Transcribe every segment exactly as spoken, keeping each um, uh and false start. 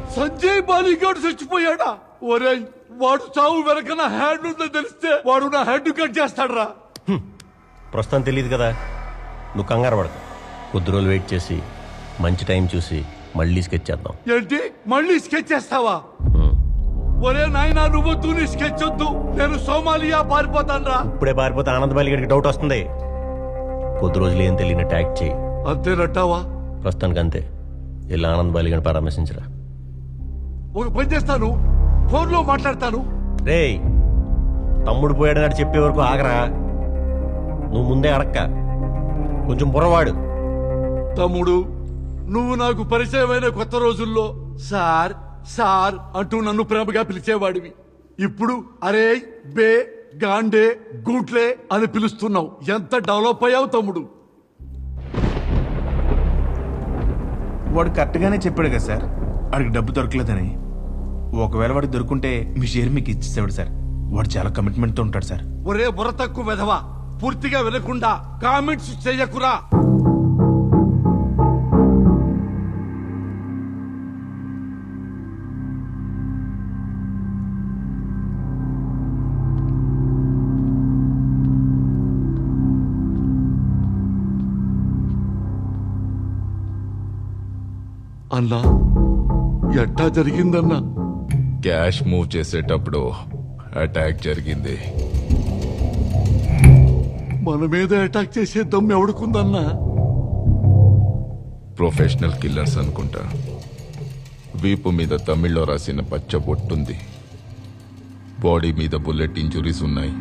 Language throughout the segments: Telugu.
సంజయ్ బాలిగాడు చచ్చిపోయాడా? ఒరేయ్, వాడు చావు వెనక నా హ్యాండ్ ఉందని తెలిస్తే వాడు నా హెడ్ కట్ చేస్తాడ్రా. ప్రస్తుతం తెలియదు కదా, నువ్వు కంగారు పడక. కొద్ది రోజులు వెయిట్ చేసి మంచి టైం చూసి మళ్ళీ స్కెచ్ చేద్దాం. ఏంటి, మళ్ళీ స్కెచ్ చేస్తావా? ఒరే నాయనా, నువ్వు తూని స్కెచ్ వద్దు, నేను సోమాలియా పారిపోతాన్రా. ఇప్పుడే పారిపోతే ఆనంద్ బాలిగడికి డౌట్ వస్తుంది. కొద్ది రోజులు ఏం తెలియనట్టు యాక్ట్ చేయి. అంతేనట్టావా? ప్రస్తుతానికి అంతే. ఇలా ఆనంద్ బాలిగడిని పరామర్శించరా. ఒక పని చేస్తాను, ఫోన్ లో మాట్లాడతాను. రేయ్, తమ్ముడు పోయాడని చెప్పే వరకు ఆగరా. నువ్వు ముందే అడక్క, కొంచెం బుర్రవాడు. తమ్ముడు, నువ్వు నాకు పరిచయమైన కొత్త రోజుల్లో సార్ సార్ అంటూ నన్ను ప్రేమగా పిలిచేవాడివి. ఇప్పుడు అరే, బే, గాండే, గూట్లే అని పిలుస్తున్నావు. ఎంత డెవలప్ అయ్యావు తమ్ముడు. వాడు కరెక్ట్గానే చెప్పాడు కదా సార్, వాడికి డబ్బు దొరకలేదని. ఒకవేళ వాడికి దొరుకుంటే మీ షేర్ మీకు ఇచ్చేసేవాడు సార్. వాడు చాలా కమిట్మెంట్తో ఉంటాడు సార్. ఒరే బుర్ర తక్కువ వెధవా, పూర్తిగా వినకుండా కామెంట్స్ చెయ్యకురా. అన్నా, ఎట్టా జరిగిందన్నా? క్యాష్ మూవ్ చేసేటప్పుడు అటాక్ జరిగింది. మన మీద అటాక్ చేసే దమ్ము ఎవడుకుందన్నా? ప్రొఫెషనల్ కిల్లర్స్ అనుకుంటా. వీపు మీద తమిళ్లో రాసిన పచ్చ బొట్టుంది. బాడీ మీద బుల్లెట్ ఇంజురీస్ ఉన్నాయి.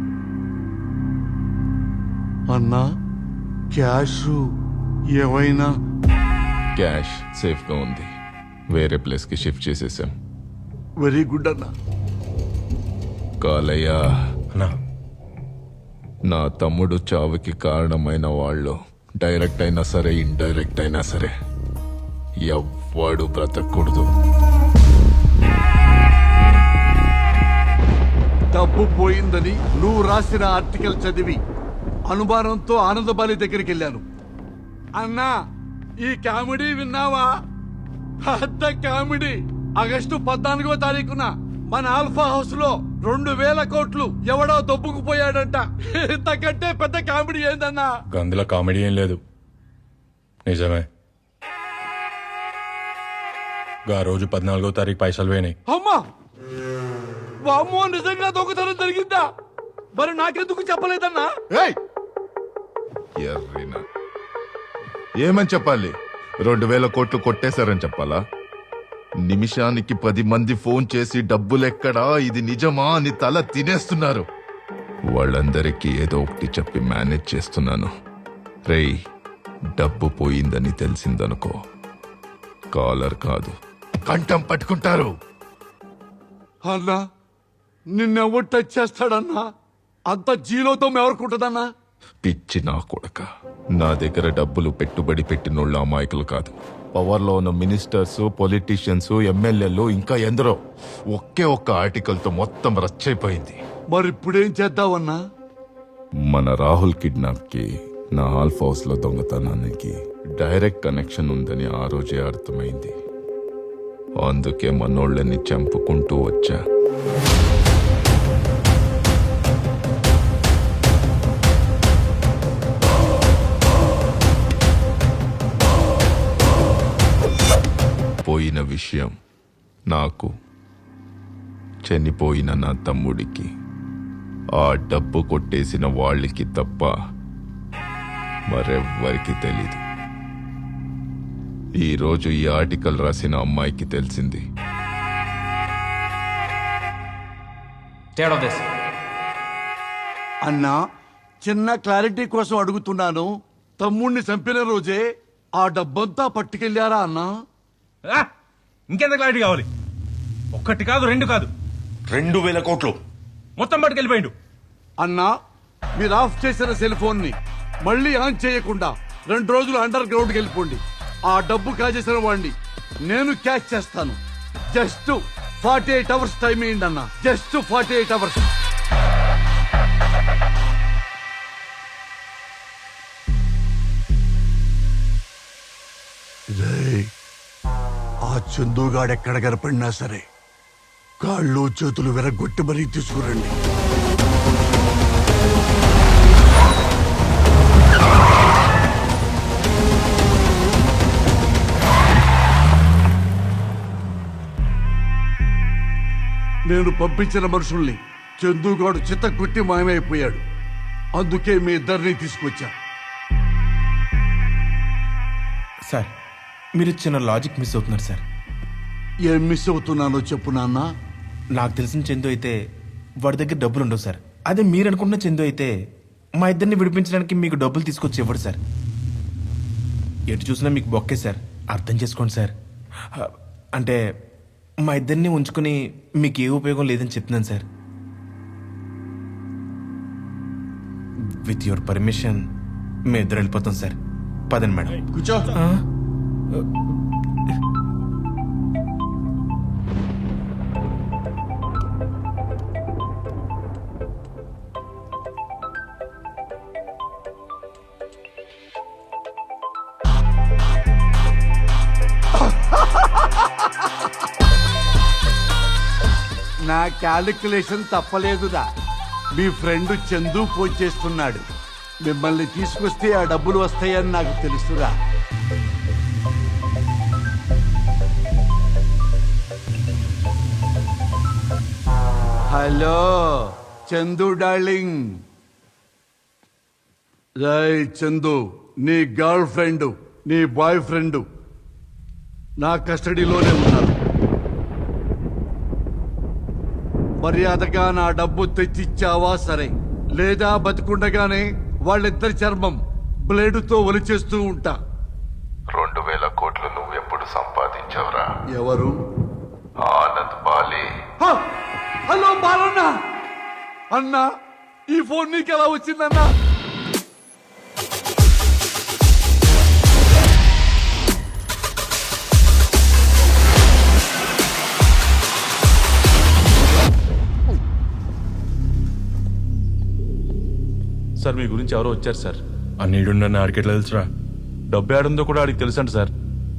అన్నా, క్యాష్ ఏమైనా? క్యాష్ సేఫ్ గా ఉంది. వేరే ప్లేస్ కి షిఫ్ట్ చేసేసాం. వెరీ గుడ్ అన్నా. కాలయ్య, అన్నా, నా తమ్ముడు చావుకి కారణమైన వాళ్ళు డైరెక్ట్ అయినా సరే ఇండైరెక్ట్ అయినా సరే ఎవ్వడు బ్రతకూడదు. డబ్బు పోయిందని నువ్వు రాసిన ఆర్టికల్ చదివి అనుమానంతో ఆనందబాలి దగ్గరికి వెళ్ళాను. అన్నా, ఈ కామెడీ విన్నావా? పెద్ద కామెడీ. ఆగస్టు పద్నాలుగో తారీఖున మన ఆల్ఫా హౌస్ లో రెండు వేల కోట్లు ఎవడో దొబ్బుకుపోయాడంట. ఇంతకంటే పెద్ద కామెడీ ఏందన్నా? అందులో కామెడీ ఏం లేదు, నిజమే. గా రోజు పద్నాలుగో తారీఖు పైసలు పోయినాయి. అమ్మా, వామ్మో, నిజంగా దొంగతనం జరిగిందా? మరి నాకెందుకు చెప్పలేదన్నా? ఏయ్! ఎర్రినా. ఏమని చెప్పాలి? రెండు వేల కోట్లు కొట్టేశారని చెప్పాలా? నిమిషానికి పది మంది ఫోన్ చేసి డబ్బులెక్కడా, ఇది నిజమా అని తల తినేస్తున్నారు. వాళ్ళందరికీ ఏదో ఒకటి చెప్పి మేనేజ్ చేస్తున్నాను. రేయ్, డబ్బు పోయిందని తెలిసిందనుకో, కాలర్ కాదు కంఠం పట్టుకుంటారు. అన్నా, నిన్నెవరు టచ్ చేస్తాడన్నా? అంత జీలోతో ఎవరుకుంటుందన్నా? పిచ్చి నా కొడక. నా దగ్గర డబ్బులు పెట్టుబడి పెట్టినోళ్ళ అమాయకులు కాదు. పవర్లో ఉన్న మినిస్టర్స్, పొలిటీషియన్స్, ఎమ్మెల్యేలు, ఇంకా ఎందరో. ఒకే ఒక్క ఆర్టికల్తో మొత్తం రచ్చైపోయింది. మరి ఇప్పుడేం చేద్దామన్నా? మన రాహుల్ కిడ్నాప్ కి, నా ఆల్ఫ్ హౌస్ లో దొంగతనానికి డైరెక్ట్ కనెక్షన్ ఉందని ఆ రోజే అర్థమైంది. అందుకే మనోళ్ళని చంపుకుంటూ వచ్చా. పోయిన విషయం నాకు, చనిపోయిన నా తమ్ముడికి, ఆ డబ్బు కొట్టేసిన వాళ్ళకి తప్ప మరెవ్వరికి తెలీదు. ఈరోజు ఈ ఆర్టికల్ రాసిన అమ్మాయికి తెలిసింది. అన్నా, చిన్న క్లారిటీ కోసం అడుగుతున్నాను. తమ్ముణ్ణి చంపిన రోజే ఆ డబ్బంతా పట్టుకెళ్లారా అన్నా? ఇంకెంత క్లారిటీ కావాలి? ఒక్కటి కాదు, రెండు కాదు, రెండు వేల కోట్లు మొత్తం పట్టుకెళ్ళిపోయిండు. అన్నా, మీరు ఆఫ్ చేసిన సెల్ ఫోన్ ని మళ్ళీ ఆన్ చేయకుండా రెండు రోజులు అండర్ గ్రౌండ్కి వెళ్ళిపోండి. ఆ డబ్బు కాజేసిన వాడిని నేను క్యాచ్ చేస్తాను. Just forty eight hours time ఇయ్యండి అన్న. Just forty eight hours. ఆ చందుగాడెక్కడ కనపడినా సరే కాళ్ళు చేతులు విరగొట్టి మరీ తీసుకురండి. నేను పంపించిన మనుషుల్ని చందుగాడు చిత్తకొట్టి మాయమైపోయాడు. అందుకే మీ ఇద్దరిని తీసుకొచ్చా. సార్ మీరు చిన్న లాజిక్ మిస్ అవుతున్నారు సార్. ఏం మిస్ అవుతున్నానో చెప్పు నాన్న. నాకు తెలిసిన చందు అయితే వాడి దగ్గర డబ్బులు ఉండవు సార్. అదే మీరు అనుకుంటున్న చందు అయితే మా ఇద్దరిని విడిపించడానికి మీకు డబ్బులు తీసుకొచ్చి ఇవ్వడు సార్. ఎటు చూసినా మీకు బొక్కే సార్. అర్థం చేసుకోండి సార్. అంటే మా ఇద్దరిని ఉంచుకుని మీకు ఏ ఉపయోగం లేదని చెప్తున్నాను సార్. విత్ యువర్ పర్మిషన్ మేము ఇద్దరు వెళ్ళిపోతాం సార్. పదండి మేడం. కూర్చో. నా క్యాలిక్యులేషన్ తప్పలేదురా. మీ ఫ్రెండ్ చందు ఫోన్ చేస్తున్నాడు. మిమ్మల్ని తీసుకొస్తే ఆ డబ్బులు వస్తాయని నాకు తెలుసురా. Hello Chandu darling. రై చందు, నీ గర్ల్ ఫ్రెండ్ నీ బాయ్ ఫ్రెండ్ నా కస్టడీలోనే ఉన్నారు. మర్యాదగా నా డబ్బు తెచ్చిచ్చావా సరే, లేదా బతికుండగానే వాళ్ళిద్దరి చర్మం బ్లేడుతో ఒలిచేస్తూ ఉంటా. రెండు వేల కోట్లు నువ్వు ఎప్పుడు సంపాదించావురా? ఎవరు? ఆనంద్ బాలే. హ! హలో బాలన్న. అన్నా, ఈ ఫోన్ నీకు ఎలా వచ్చిందన్నా? సార్ మీ గురించి ఎవరో వచ్చారు సార్. ఆ నీడున్న ఆడికి ఎట్లా తెలుసురా? డబ్బు ఏడుందో కూడా ఆడికి తెలుసంట సార్.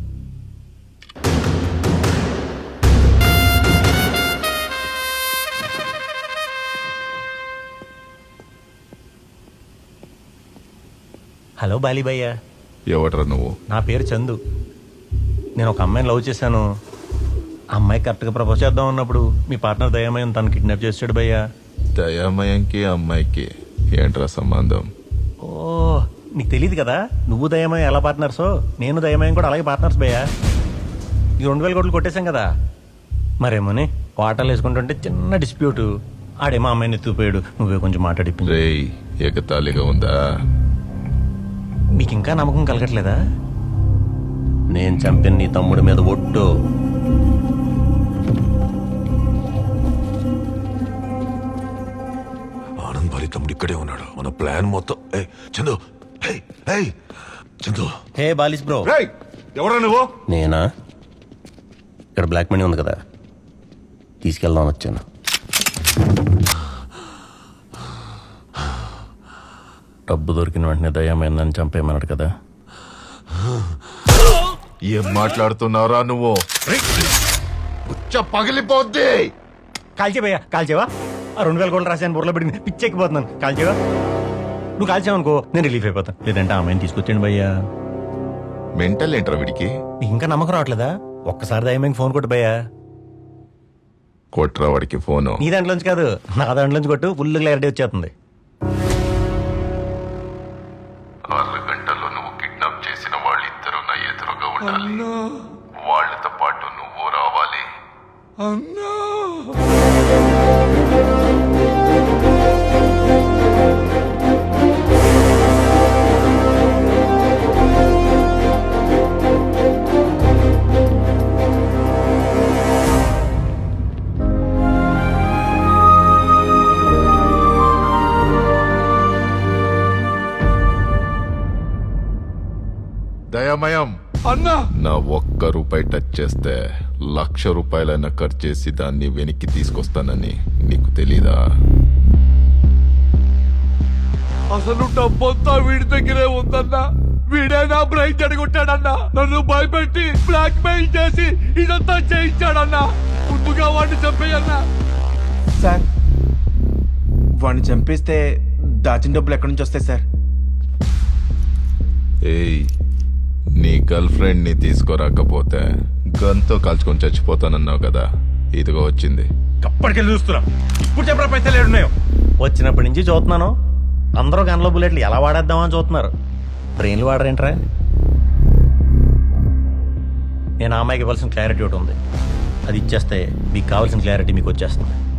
హలో బాలీభయ్య. ఎవట్రా నువ్వు? నా పేరు చందు. నేను ఒక అమ్మాయిని లవ్ చేశాను. ఆ అమ్మాయి కరెక్ట్గా ప్రపోజ్ చేద్దాం ఉన్నప్పుడు మీ పార్ట్నర్ దయామయం తను కిడ్నాప్ చేసాడు భయ్యా. దయామయంకి అమ్మాయికి ఏంట్రా సంబంధం? ఓ, నీకు తెలియదు కదా, నువ్వు దయమయం ఎలా పార్ట్నర్సో నేను దయమయం కూడా అలాగే పార్ట్నర్స్ భయ్యా. ఈ రెండు వేల కోట్లు కొట్టేశాం కదా, మరేమోని వాటర్లు వేసుకుంటుంటే చిన్న డిస్ప్యూట్. ఆడేమో అమ్మాయిని ఎత్తుకుపోయాడు, నువ్వే కొంచెం మాట్లాడి. రేయ్, ఎగతాళిగా ఉందా? మీకు ఇంకా నమ్మకం కలగట్లేదా? నేను చంపిన నీ తమ్ముడి మీద ఒట్టు. ఆనంద్ భారీ తమ్ముడు ఇక్కడే ఉన్నాడు. మన ప్లాన్ మొత్తం. ఏయ్ చందు, ఏయ్ ఏయ్ చందు. హే బాలిస్ బ్రో. ఎవరా నువ్వు? నేనా? ఇక్కడ బ్లాక్ మనీ ఉంది కదా, తీసుకెళ్దాం వచ్చాను. డబ్బు దొరికిన వెంటనే దయ్యమైందని చంపేయమన్నాడు కదా. ఏం మాట్లాడుతున్నావురా నువ్వు? పగిలిపోద్ది. కాల్చేవయ్యా, కాల్చేవా? ఆ రెండు వేల కోట్లు రాశాను, బుర్రలో పడింది, పిచ్చెక్కిపోతున్నాను. కాల్చేవా? నువ్వు కాల్చావనుకో నేను రిలీఫ్ అయిపోతాను. లేదంటే ఆమెను తీసుకొచ్చాను భయ్యా. మెంటల్ ఏంట్రా వీడికి? నీకు ఇంకా నమ్మకం రావట్లేదా? ఒక్కసారి దయ్యమైంది ఫోన్ కొట్టు భయ్యా. కొట్రా వాడికి ఫోను. నీ దాంట్లోంచి కాదు, నా దాంట్లోంచి కొట్టు, ఫుల్ క్లారిటీ వచ్చేస్తుంది. ఆరు గంటల్లో నువ్వు కిడ్నాప్ చేసిన వాళ్ళిద్దరూ నా ఎదురుగా ఉండాలి. వాళ్ళతో పాటు నువ్వు రావాలి. అన్నా, దయామయం, అన్నా, నా ఒక్క రూపాయి టచ్ చేస్తే లక్ష రూపాయలైనా ఖర్చు చేసి దాన్ని వెనక్కి తీసుకొస్తానని నీకు తెలీదా? అసలు డబ్బంతా వీడి దగ్గరే ఉందన్నా. వీడే నా బ్రైన్ చెడగొట్టాడన్నా. నన్ను భయపెట్టి బ్లాక్ మెయిల్ చేసి ఇదంతా చేయించాడన్నా. ముందుగా వాడిని చంపేయన్నా. సార్ వాడిని చంపేస్తే దాచిన డబ్బులు ఎక్కడి నుంచి వస్తాయి సార్? ఏయ్, నీ గర్ల్ ఫ్రెండ్ ని తీసుకురాకపోతే గన్తో కాల్చుకొని చచ్చిపోతానన్నావు కదా, ఇదిగో వచ్చింది. అప్పటికెళ్ళి చూస్తున్నా. ఇప్పుడు చెప్పరా పైసలు ఏడున్నాయో. వచ్చినప్పటి నుంచి చూస్తున్నాను, అందరూ గన్లో బుల్లెట్లు ఎలా వాడేద్దామని చూస్తున్నారు. బ్రెయిన్లు వాడరేంట్రా? నేను ఆ అమ్మాయికి ఇవ్వాల్సిన క్లారిటీ ఒకటి ఉంది, అది ఇచ్చేస్తే మీకు కావాల్సిన క్లారిటీ మీకు వచ్చేస్తుంది.